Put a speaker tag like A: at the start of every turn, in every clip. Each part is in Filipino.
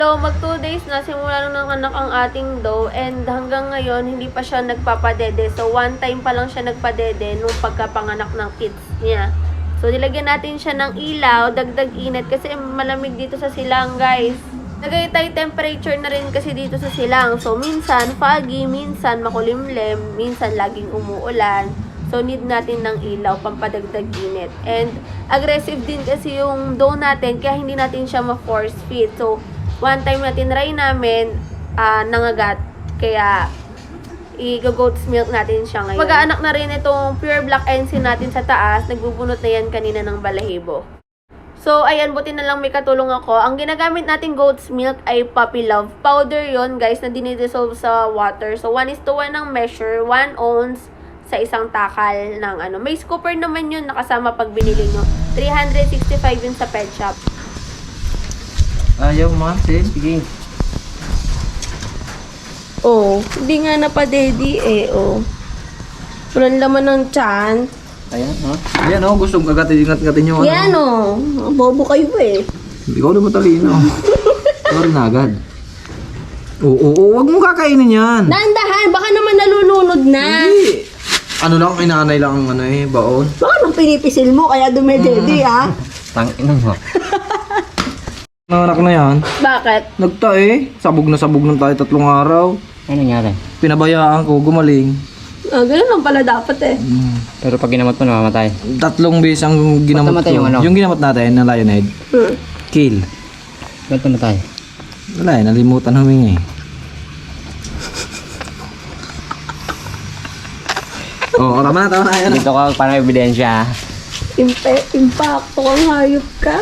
A: So, mag 2 days na, simula nung nanganak ang ating doe, and hanggang ngayon, hindi pa siya nagpapadede. So, one time pa lang siya nagpadede nung pagkapanganak ng kids niya. So, nilagyan natin siya ng ilaw, dagdag init, kasi malamig dito sa silang, guys. Tagaytay temperature na rin kasi dito sa silang. So, minsan foggy, minsan makulimlim, minsan laging umuulan. So, need natin ng ilaw, pampadagdag init. And, aggressive din kasi yung doe natin, kaya hindi natin siya ma-force feed. So, one time na tinry namin, nangagat. Kaya, i-goat's milk natin siya ngayon. Mag-aanak na rin itong pure black ensign natin sa taas. Nagbubunot na yan kanina ng balahibo. So, ayan, buti na lang may katulong ako. Ang ginagamit natin goat's milk ay Puppy Love. Powder yon guys, na dinidissolve sa water. So, 1:1 ang measure, 1 ounce sa isang takal ng ano. May scooper naman yun nakasama pag binili nyo. 365 yun sa pet shop.
B: Ayaw ma, sige.
A: Oh, hindi nga napadedi eh, oh. Walang laman ng tiyan.
B: Ayan, ha? Ayan, oh, gusto kong agatin yung
A: Yan, oh. Bobo kayo eh.
B: Hindi ko na matalino. Sorry na agad. Oo, wag mo kakainin yan.
A: Dahan-dahan, baka naman nalulunod na.
B: Hindi. Ano lang, inanay lang ang baon.
A: Baka nang pinipisil mo, kaya dumededi, ha?
B: Tangin mo. Nanganak na yan.
A: Bakit?
B: Nagtae. Sabog na tayo 3 araw.
C: Ano nangyari?
B: Pinabayaan ko, gumaling.
A: Ah, ganun lang pala dapat eh.
C: Pero pag ginamot mo, namamatay.
B: 3 beses ang ginamot
C: Ba't namatay
B: ko.
C: yung ano?
B: Yung ginamot natin na lionhead. Kill.
C: Ba't namatay?
B: Wala eh, nalimutan humingi. Oo, tama na. Ayan.
C: Dito ka para may ebidensya.
A: Impacto kang hayop ka.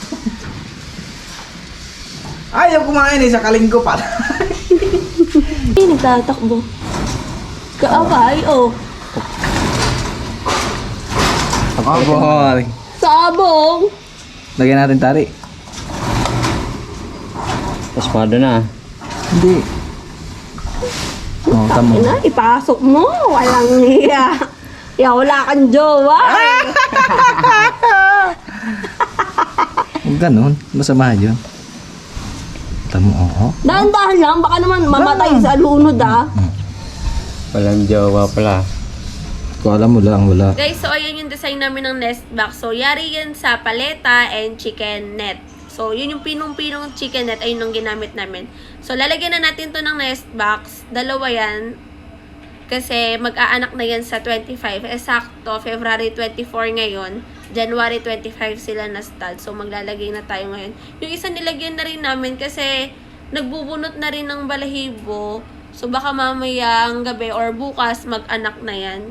B: Ayaw kumain eh, sa kalingko pa.
A: Ay, nagtatakbo. Kaaway, oh.
B: Aboy.
A: Sabong!
B: Lagyan natin tari.
C: Pasmado na.
B: Hindi. Oh, tama.
A: Ina, ipasok mo. Walang hiya. Ya, wala kang jowa.
B: Huwag ganun, masama yun. Tamo, oo.
A: Dahan-dahan lang, baka naman mamatay sa lunod, ah.
C: Walang jowa pala.
B: Kung alam mo lang, wala.
A: Guys, so ayan yung design namin ng nest box. So, yari yan sa paleta and chicken net. So, yun yung pinong-pinong chicken net, ayun yung ginamit namin. So, lalagyan na natin to ng nest box. Dalawa yan. Kasi mag-aanak na yan sa 25. Eksakto, February 24 ngayon. January 25 sila na stud. So, maglalagay na tayo ngayon. Yung isa nilagyan na rin namin kasi nagbubunot na rin ng balahibo. So, baka mamayang gabi or bukas mag-anak na yan.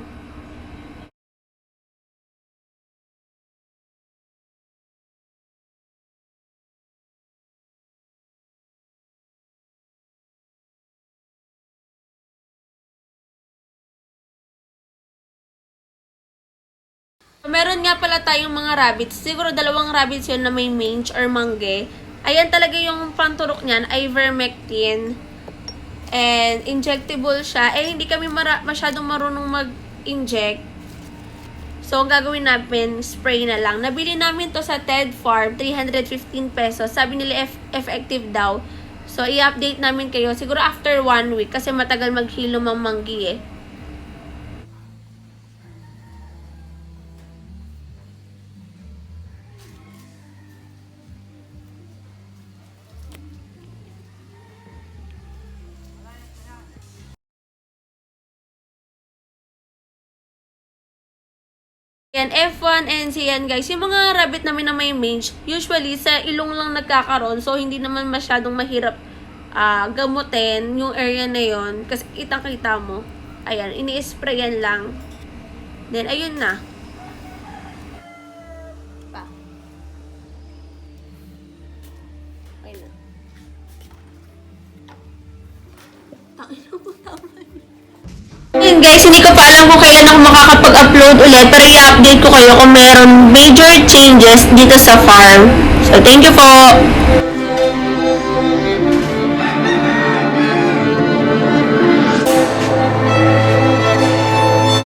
A: Meron nga pala tayong mga rabbits. Siguro 2 rabbits yun na may mange or mangge. Ayan talaga yung panturok niyan, ivermectin. And injectable siya. Eh, hindi kami masyadong marunong mag-inject. So, ang gagawin namin, spray na lang. Nabili namin to sa Ted Farm, 315 pesos. Sabi nila effective daw. So, i-update namin kayo. Siguro after 1 week kasi matagal maghilom ang manggi eh. Yan, F1 and yan guys. Yung mga rabbit namin na may mange, usually sa ilong lang nagkakaroon. So, hindi naman masyadong mahirap gamutin yung area na yon. Kasi kitang-kita mo. Ayan, ini-sprayan lang. Then, ayun na. Pa. Ayun na. Yun guys, hindi ko pa alam kung kailan ako makakapag-upload ulit, pero i-update ko kayo kung meron major changes dito sa farm. So, thank you po!